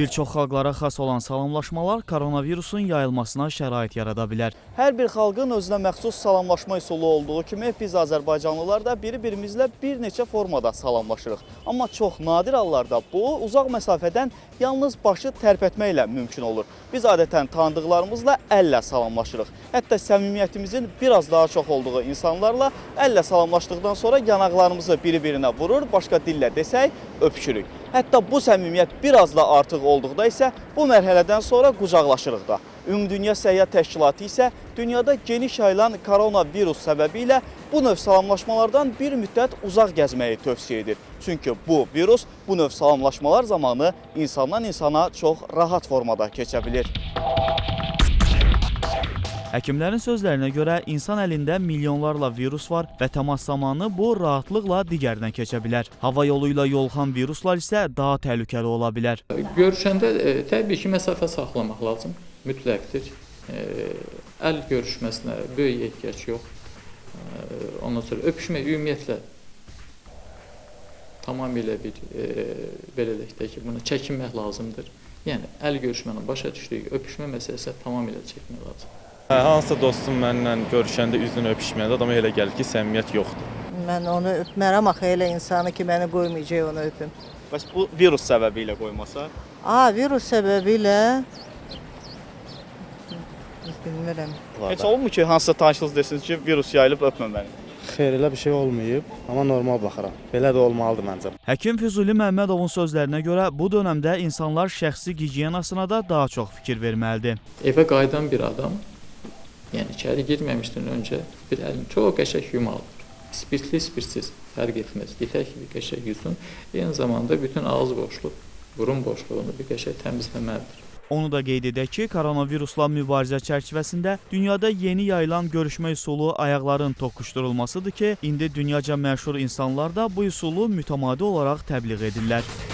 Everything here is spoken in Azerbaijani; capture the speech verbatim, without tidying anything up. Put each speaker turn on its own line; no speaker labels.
Bir çox xalqlara xas olan salamlaşmalar koronavirusun yayılmasına şərait yarada bilər. Hər bir xalqın özünə məxsus salamlaşma üsulu olduğu kimi biz Azərbaycanlılar da biri-birimizlə bir neçə formada salamlaşırıq. Amma çox nadir hallarda bu uzaq məsafədən yalnız başı tərpətməklə mümkün olur. Biz adətən tanıdıqlarımızla əllə salamlaşırıq. Hətta səmimiyyətimizin biraz daha çox olduğu insanlarla əllə salamlaşdıqdan sonra yanaqlarımızı biri-birinə vurur, başqa dillə desək öpüşürük. Hətta bu səmimiyyət biraz da artıq olduqda isə bu mərhələdən sonra qucaqlaşırıq da. Ümumdünya Səyyah Təşkilatı isə dünyada geniş yayılan koronavirus səbəbilə bu növ salamlaşmalardan bir müddət uzaq gəzməyi tövsiyə edir. Çünki bu virus bu növ salamlaşmalar zamanı insandan insana çox rahat formada keçə bilir. Həkimlərin sözlərinə görə insan əlində milyonlarla virus var və təmas zamanı bu rahatlıqla digərinə keçə bilər. Hava yolu ilə yoluxan viruslar isə daha təhlükəli ola bilər.
Görüşəndə e, təbii ki, məsafə saxlamaq lazım, mütləqdir. E, əl görüşməsinə böyük ehtiyac yox. E, ondan sonra öpüşmək ümumiyyətlə tamamilə bir e, belə deyək ki, bunu çəkinmək lazımdır. Yəni əl görüşmənin başa düşdüyü öpüşmə məsələsi tamamilə çəkinmək lazımdır.
Hansısa dostum mənimlə görüşəndə üzünü öpüşməyəndə adama elə gəlir ki, səmimiyyət yoxdur.
Mən onu öpmərəm, axı elə insanı ki, məni qoymayacaq onu öpüm.
Bəs bu virus səbəbi ilə qoymasa?
Aa, virus səbəbi ilə bilmirəm.
Heç olmur ki, hansısa tanışınız desiniz ki, virus yayılıb öpməməli?
Xeyr, elə bir şey olmayıb, amma normal baxıram. Belə də olmalıdır məncə.
Həkim Füzuli Məmmədovun sözlərinə görə bu dönəmdə insanlar şəxsi gigiyenasına da daha çox fikir verməlidir.
Evə qayıdan bir adam, yəni içəri girməmişdən öncə bir əlini çox qəşəng yumalıdır. Spirtli, spirtsiz fərq etməz. Yetər ki, bir qəşəng yusun. Eyni zamanda bütün ağız boşluq, burun boşluğunu bir qəşəng təmizləməlidir.
Onu da qeyd edək ki, koronavirusla mübarizə çərçivəsində dünyada yeni yayılan görüşmə üsulu ayaqların toqquşdurulmasıdır ki, indi dünyaca məşhur insanlar da bu üsulu mütəmadi olaraq təbliğ edirlər.